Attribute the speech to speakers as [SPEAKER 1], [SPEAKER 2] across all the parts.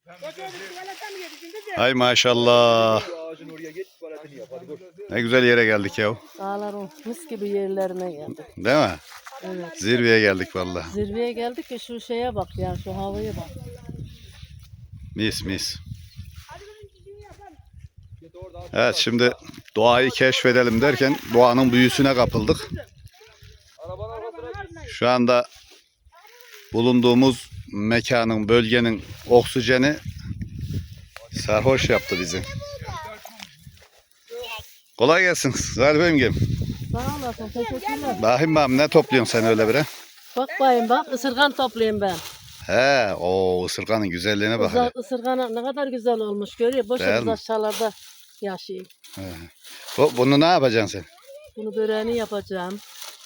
[SPEAKER 1] Hay maşallah. Ne güzel yere geldik ya.
[SPEAKER 2] Dağların mis gibi yerlerine geldik.
[SPEAKER 1] Değil mi?
[SPEAKER 2] Evet.
[SPEAKER 1] Zirveye geldik vallahi.
[SPEAKER 2] Zirveye geldik ki şu şeye bak ya, şu havaya bak.
[SPEAKER 1] Mis mis. Evet, şimdi doğayı keşfedelim derken doğanın büyüsüne kapıldık. Şu anda bulunduğumuz mekanın, bölgenin oksijeni sarhoş yaptı bizi. Kolay gelsin. Zahir Bey'im.
[SPEAKER 2] Sağ olasın, teşekkürler.
[SPEAKER 1] Bakayım ne topluyorsun sen öyle bire?
[SPEAKER 2] Bak bayım bak, ısırgan toplayayım ben.
[SPEAKER 1] He, o ısırganın güzelliğine bak. hele.
[SPEAKER 2] Isırgan ne kadar güzel olmuş, görüyor.
[SPEAKER 1] Değil
[SPEAKER 2] Boşa
[SPEAKER 1] mi?
[SPEAKER 2] aşağılarda yaşayayım.
[SPEAKER 1] Bunu ne yapacaksın sen?
[SPEAKER 2] Bunu böreğini yapacağım.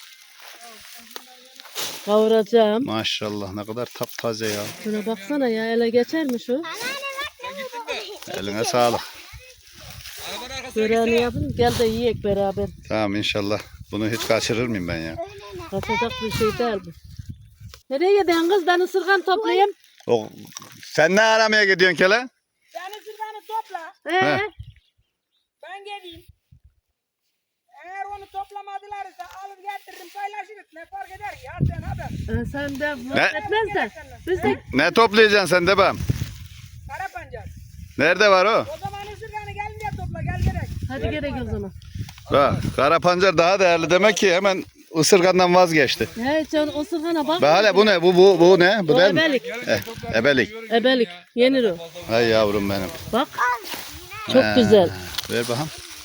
[SPEAKER 2] Kavuracağım.
[SPEAKER 1] Maşallah, ne kadar taptaze ya.
[SPEAKER 2] Şuna baksana ya, ele geçer mi şu?
[SPEAKER 1] Eline sağlık.
[SPEAKER 2] Böreğini yapın, gel de yiyek beraber.
[SPEAKER 1] Tamam, inşallah. Bunu hiç kaçırır mıyım ben ya?
[SPEAKER 2] Kaçacak bir şey değil bu. Nereye gidiyorsun kız? Ben ısırgan toplayayım.
[SPEAKER 1] Sen ne aramaya gidiyorsun Kele?
[SPEAKER 3] Sen ısırganı topla.
[SPEAKER 1] He.
[SPEAKER 3] Ben geleyim. Eğer onu toplamadılarsa alır getiririm paylaşırız. Ne fark eder ki? Hadi sen haber.
[SPEAKER 2] Sen de etmez de. Biz de
[SPEAKER 1] Ne toplayacaksın sen de ben?
[SPEAKER 3] Kara pancar.
[SPEAKER 1] Nerede var o?
[SPEAKER 3] O zaman ısırganı gelince topla gel direkt.
[SPEAKER 2] hadi gerek o zaman.
[SPEAKER 1] Bak, kara pancar daha değerli demek ki hemen ısırgandan vazgeçti.
[SPEAKER 2] He sen ısırgana bak.
[SPEAKER 1] Bak hele bu ne? Bu ne? Bu
[SPEAKER 2] O
[SPEAKER 1] değil mi?
[SPEAKER 2] ebelik.
[SPEAKER 1] Ebelik.
[SPEAKER 2] Ebelik. Yenir o.
[SPEAKER 1] Hay yavrum benim.
[SPEAKER 2] Bak. Çok güzel.
[SPEAKER 1] Ver bakalım.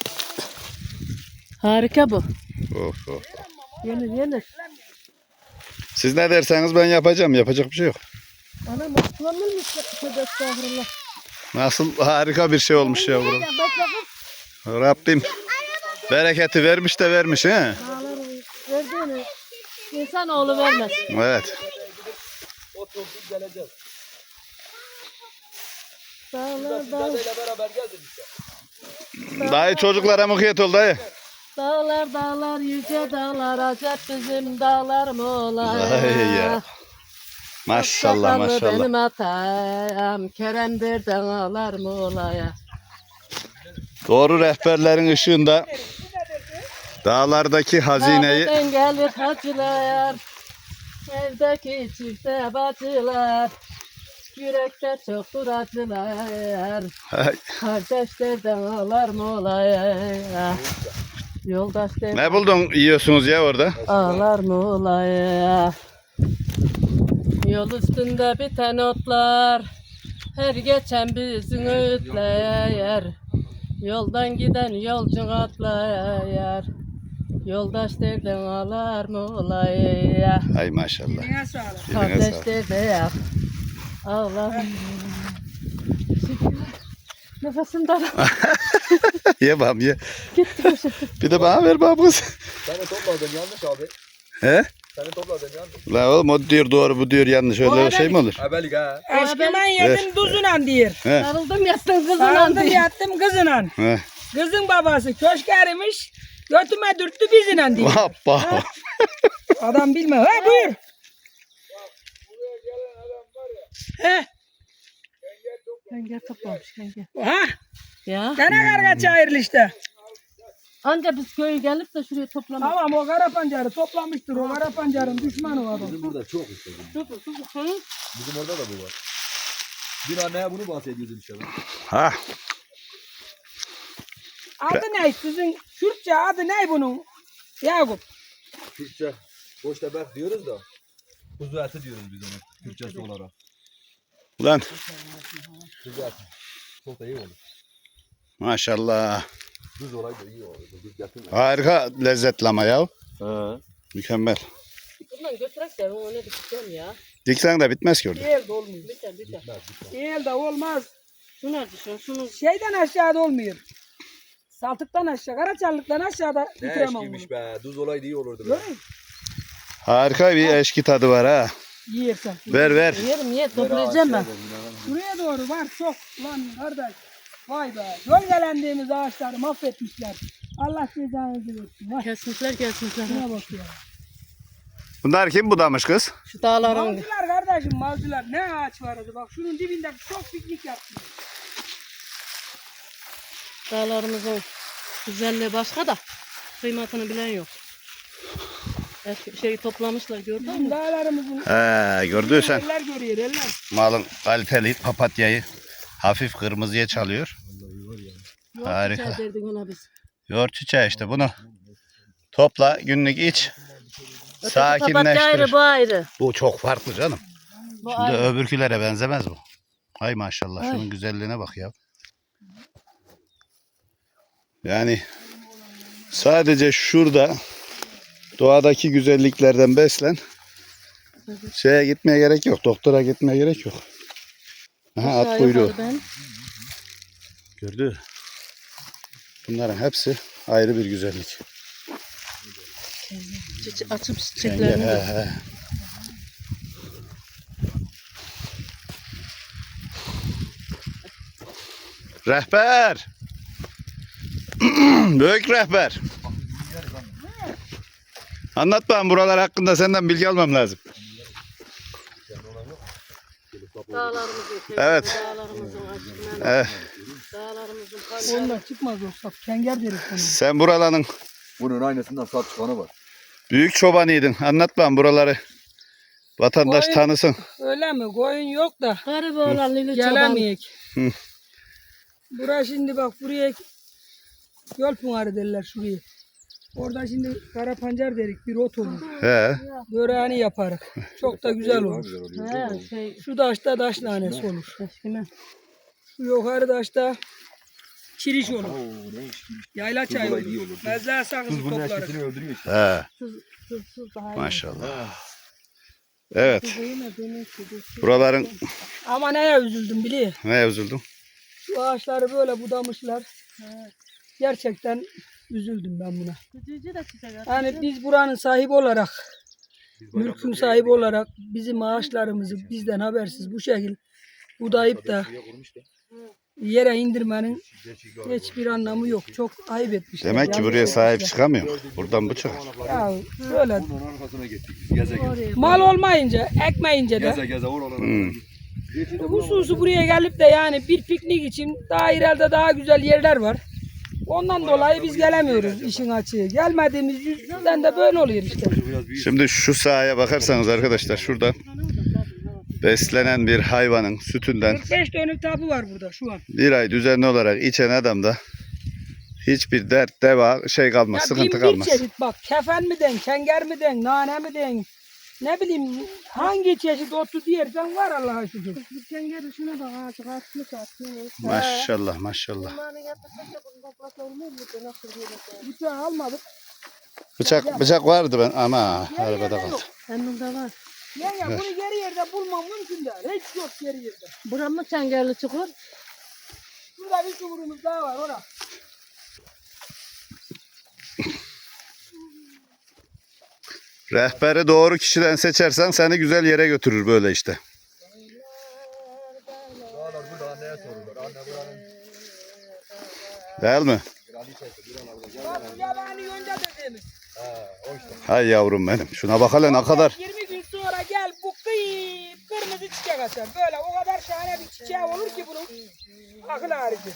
[SPEAKER 2] Harika bu.
[SPEAKER 1] Of of.
[SPEAKER 2] Yenir.
[SPEAKER 1] Siz ne derseniz ben yapacağım. Yapacak bir şey yok.
[SPEAKER 2] Anam kullanılmış. Tövbe estağfurullah.
[SPEAKER 1] Nasıl harika bir şey olmuş yavrum.
[SPEAKER 2] Bak bakın.
[SPEAKER 1] Rabbim bereketi vermiş de vermiş he.
[SPEAKER 2] Dağların verdiğini insanoğlu vermez.
[SPEAKER 1] Evet.
[SPEAKER 2] Dağlar.
[SPEAKER 1] Dayı çocuklara mukayyet ol dayı.
[SPEAKER 2] Dağlar yüce dağlar acep bizim dağlar mı ola?
[SPEAKER 1] Ay ya. Maşallah
[SPEAKER 2] Sakallı
[SPEAKER 1] maşallah.
[SPEAKER 2] benim atam Kerem'dir dağlar mı olaya?
[SPEAKER 1] Doğru rehberlerin ışığında dağlardaki hazineyi
[SPEAKER 2] Dağlardan gelir hacılar, evdeki çifte bacılar, yürekte çoktur acılar,
[SPEAKER 1] Ay,
[SPEAKER 2] kardeşlerden ağlar mı olaya? Yoldaşlardan
[SPEAKER 1] ne buldun yiyorsunuz ya orada?
[SPEAKER 2] ağlar mı olaya? Yol üstünde biten otlar, her geçen bizim öğütler. Yoldan giden yolcu atlar, yoldaş derden ağlar mı olaya?
[SPEAKER 1] Ay maşallah.
[SPEAKER 3] Eline sağlık.
[SPEAKER 1] Eline sağlık.
[SPEAKER 2] Kardeş derden ağlar. Nefesim daraldı.
[SPEAKER 1] Ye bam ye.
[SPEAKER 2] Gitti.
[SPEAKER 1] Bir de bana ver babamız.
[SPEAKER 4] Sen de topladın yanlış abi.
[SPEAKER 1] He?
[SPEAKER 4] Sen de topladın yanlış.
[SPEAKER 1] La oğlum o diyor doğru bu diyor yanlış öyle şey mi olur?
[SPEAKER 4] Ebelik ha.
[SPEAKER 3] Eşkimen yedim tuzuna diyor.
[SPEAKER 1] He.
[SPEAKER 2] Sarıldım yattım kızına
[SPEAKER 3] Sarıldım
[SPEAKER 2] diye.
[SPEAKER 3] yattım kızına.
[SPEAKER 1] He.
[SPEAKER 3] Kızın babası köşk erimiş. Götüme dürttü bizine diyor.
[SPEAKER 1] Hoppa.
[SPEAKER 3] Adam bilme. Ha buyur. He.
[SPEAKER 2] Kenger toplamış kenger.
[SPEAKER 3] Ha.
[SPEAKER 2] Ya.
[SPEAKER 3] Gene karga çağırlı işte.
[SPEAKER 2] Anca biz köye gelip de şuraya toplamak.
[SPEAKER 3] Tamam o kara pancarı toplamıştır. O kara pancarın düşmanı o adam.
[SPEAKER 4] Bizim burada çok istedim. Bizim orada da bu var. Dün anneye bunu bahsediyordum işte.
[SPEAKER 1] Ha.
[SPEAKER 3] Adı ne? Sizin Kürtçe adı ne bunun? Yakup.
[SPEAKER 4] Türkçe boş tebek diyoruz da. Kuzu eti diyoruz biz ona. Türkçesi olarak.
[SPEAKER 1] Ulan
[SPEAKER 4] Kuzu eti. Çok da iyi olur.
[SPEAKER 1] maşallah.
[SPEAKER 4] Düz olaydı iyi olur. Düz getirme.
[SPEAKER 1] Harika lezzetli ama ya.
[SPEAKER 4] He.
[SPEAKER 1] Mükemmel.
[SPEAKER 2] Bundan götürek de onu ne dikeceğim ya.
[SPEAKER 1] Diksen de bitmez ki orada.
[SPEAKER 3] Elde olmuyor.
[SPEAKER 2] Biter.
[SPEAKER 3] Elde olmaz.
[SPEAKER 2] Şunu şunu.
[SPEAKER 3] Şeyden aşağıda olmuyor. Saltıktan aşağı, Karaçarlık'tan aşağıda
[SPEAKER 4] Ne
[SPEAKER 3] bitiremem bunu.
[SPEAKER 4] eşkiymiş be. Düz olaydı iyi olurdu be.
[SPEAKER 3] Görüyor musun?
[SPEAKER 1] Harika bir eşki tadı var ha.
[SPEAKER 3] Yiyersen.
[SPEAKER 1] Ver.
[SPEAKER 2] Yerim ye toplayacağım ben.
[SPEAKER 3] Buraya doğru var çok lan kardeş. Vay be. Gölgelendiğimiz ağaçları mahvetmişler. Allah cezanızı versin. Vay.
[SPEAKER 2] Kesmişler.
[SPEAKER 3] Şuna bak ya.
[SPEAKER 1] Bunlar kim budamış kız?
[SPEAKER 2] Şu dağların.
[SPEAKER 3] Balcılar kardeş. Kardeşim malcılar ne ağaç vardı bak şunun dibinde çok piknik yaptım.
[SPEAKER 2] Dağlarımızın güzelliği başka da kıymetini bilen yok. Eski şeyi toplamışlar gördün
[SPEAKER 3] Bizim
[SPEAKER 2] mü?
[SPEAKER 3] dağlarımızın
[SPEAKER 1] He, gördüysen
[SPEAKER 3] eller görüyor eller.
[SPEAKER 1] malın kaliteli papatyayı hafif kırmızıya çalıyor.
[SPEAKER 2] Yok,
[SPEAKER 1] Harika.
[SPEAKER 2] çay derdik ona biz.
[SPEAKER 1] Yoğurt çiçeği işte bunu topla günlük iç.
[SPEAKER 2] Öteki papatya ayrı,
[SPEAKER 1] Sakinleştirir.
[SPEAKER 2] bu ayrı.
[SPEAKER 1] Bu çok farklı canım.
[SPEAKER 2] Bu
[SPEAKER 1] Şimdi
[SPEAKER 2] ayrı.
[SPEAKER 1] öbürkülere benzemez bu. Hay maşallah
[SPEAKER 2] Ay.
[SPEAKER 1] şunun güzelliğine bak ya. Yani sadece şurada doğadaki güzelliklerden beslen. Şeye gitmeye gerek yok. Doktora gitmeye gerek yok. Aha, at
[SPEAKER 2] Aşağı
[SPEAKER 1] kuyruğu.
[SPEAKER 2] yukarı ben.
[SPEAKER 1] Gördü. Bunların hepsi ayrı bir güzellik.
[SPEAKER 2] Açıp
[SPEAKER 1] He,
[SPEAKER 2] çiçeklerini de.
[SPEAKER 1] he. Rehber. Büyük rehber. Anlat bana buralar hakkında senden bilgi almam lazım.
[SPEAKER 2] Dağlarımızın
[SPEAKER 1] Evet.
[SPEAKER 2] dağlarımızın açıklarını,
[SPEAKER 1] Evet.
[SPEAKER 2] dağlarımızın
[SPEAKER 3] Ondan çıkmaz o sap. Kenger deriz onu.
[SPEAKER 1] Sen buraların
[SPEAKER 4] Bunun aynısından sap çıkanı var.
[SPEAKER 1] büyük çobanıydın. Anlat bana buraları. Vatandaş
[SPEAKER 3] Koyun-
[SPEAKER 1] tanısın.
[SPEAKER 3] Öyle mi? Koyun yok da
[SPEAKER 2] Garip olan Lili Çoban.
[SPEAKER 3] gelemeyek.
[SPEAKER 1] Hı.
[SPEAKER 3] Bura şimdi bak buraya yol pınarı derler şuraya. Orada şimdi kara pancar derik bir ot olur.
[SPEAKER 1] He.
[SPEAKER 3] Böreğini yaparık. Çok da güzel olur.
[SPEAKER 2] He, şey,
[SPEAKER 3] Şu taşta taş nanesi olur.
[SPEAKER 2] eşkime.
[SPEAKER 3] Şu yukarı taşta çiriş olur. Yayla çayı
[SPEAKER 4] olay iyi
[SPEAKER 3] olur.
[SPEAKER 4] olur.
[SPEAKER 3] Mezle sakızı
[SPEAKER 4] Tuz bunun
[SPEAKER 3] toplarız.
[SPEAKER 4] eşkisini öldürüyor işte.
[SPEAKER 1] He.
[SPEAKER 2] Tuzsuz daha iyi.
[SPEAKER 1] Maşallah. Evet.
[SPEAKER 2] Tuzu yine demek ki tuzsuz.
[SPEAKER 1] Buraların
[SPEAKER 3] Ama neye üzüldüm biliyor.
[SPEAKER 1] neye üzüldüm?
[SPEAKER 3] Şu ağaçları böyle budamışlar. Gerçekten üzüldüm ben buna.
[SPEAKER 2] Tuzucu da çiçek atıyor.
[SPEAKER 3] Yani biz buranın sahibi olarak, mülkün sahibi olarak bizim ağaçlarımızı bizden habersiz bu şekil budayıp da yere indirmenin hiçbir anlamı yok. Çok ayıp etmişler.
[SPEAKER 1] Demek ki
[SPEAKER 3] Yazık
[SPEAKER 1] buraya sahip
[SPEAKER 3] etmişler.
[SPEAKER 1] çıkamıyor. Buradan bu çıkar.
[SPEAKER 3] Ya böyle
[SPEAKER 4] Bunun arkasına gittik biz. Geze geze.
[SPEAKER 2] Oraya
[SPEAKER 3] mal olmayınca, ekmeyince de
[SPEAKER 4] Geze geze oralara.
[SPEAKER 1] Hmm.
[SPEAKER 3] hususu buraya gelip de yani bir piknik için daha ileride daha güzel yerler var. Ondan dolayı biz gelemiyoruz işin açığı. Gelmediğimiz yüzden de böyle oluyor işte.
[SPEAKER 1] Şimdi şu sahaya bakarsanız arkadaşlar şurada beslenen bir hayvanın sütünden
[SPEAKER 3] 45 dönüm tapu var burada şu an.
[SPEAKER 1] bir ay düzenli olarak içen adamda hiçbir dert, deva şey kalmaz,
[SPEAKER 3] Ya
[SPEAKER 1] sıkıntı
[SPEAKER 3] bin bir
[SPEAKER 1] kalmaz.
[SPEAKER 3] çeşit bak kefen mi den, kenger mi den, nane mi den, ne bileyim hangi çeşit otu diyersen var Allah'a şükür.
[SPEAKER 2] Sen gel şuna bak ağacı atmış atıyor.
[SPEAKER 1] Maşallah maşallah.
[SPEAKER 2] Bunları yapırsak da bunu toplasa olmaz mı? Nasıl diyelim?
[SPEAKER 3] Bıçağı almadık.
[SPEAKER 1] Bıçak vardı ben ama arabada kaldı.
[SPEAKER 2] Benim de var.
[SPEAKER 3] Ya bunu geri yerde bulmam mümkün değil. Hiç yok geri yerde.
[SPEAKER 2] Buram mı çengelli çukur?
[SPEAKER 3] Şurada bir çukurumuz daha var orada.
[SPEAKER 1] Rehberi doğru kişiden seçersen seni güzel yere götürür böyle işte.
[SPEAKER 4] Dağlar burada anneye sorulur. Anne buranın
[SPEAKER 1] Değil mi?
[SPEAKER 3] Bak bu yabani yonca dediğimiz.
[SPEAKER 4] o işte.
[SPEAKER 1] Hay yavrum benim. Şuna bak hele ne kadar.
[SPEAKER 3] 20 gün sonra gel bu kırmızı çiçek açar. Böyle o kadar şahane bir çiçeği olur ki bunun. Akıl harici.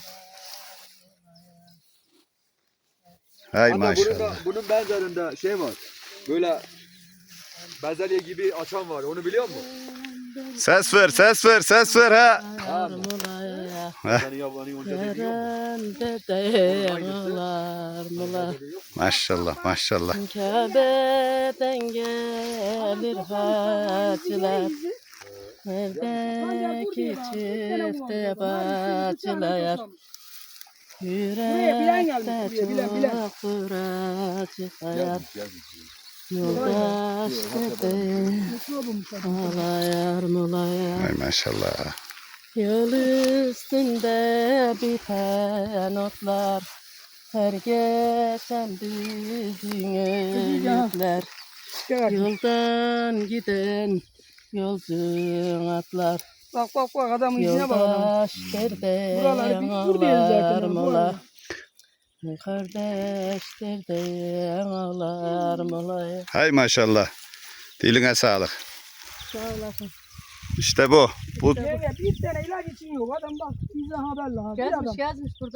[SPEAKER 1] Hay
[SPEAKER 4] Hatta
[SPEAKER 1] maşallah.
[SPEAKER 4] bunun benzerinde şey var. Böyle bezelye gibi açan var. Onu biliyor musun?
[SPEAKER 1] Ses ver, ses ver, ses ver ha.
[SPEAKER 2] Yarmulaya.
[SPEAKER 4] Yani yabani yonca dediği yok mu?
[SPEAKER 2] Yerende değerler mula.
[SPEAKER 1] Maşallah maşallah.
[SPEAKER 2] Kabe'den gelir hacılar. Evdeki çifte bacılar. Yürekte çok acı kayar. Yoldaş dede ağlayar mulayar.
[SPEAKER 1] Hay maşallah.
[SPEAKER 2] Yol üstünde biten otlar, her geçen bizim öğütler. Yoldan giden yolcu atlar,
[SPEAKER 3] Bak bak bak adamın içine bak adam.
[SPEAKER 2] yoldaş derde
[SPEAKER 3] Buraları bir tur diyoruz zaten,
[SPEAKER 2] ağlar
[SPEAKER 3] bu
[SPEAKER 2] mola.
[SPEAKER 3] arada.
[SPEAKER 2] Kardeş derde ağlar mola.
[SPEAKER 1] Hay maşallah. Diline sağlık.
[SPEAKER 2] Sağ olasın.
[SPEAKER 1] İşte bu. Bu
[SPEAKER 3] Bir tane ilaç için yok. Adam bak bize haberle. Bir adam.
[SPEAKER 2] Gezmiş burada.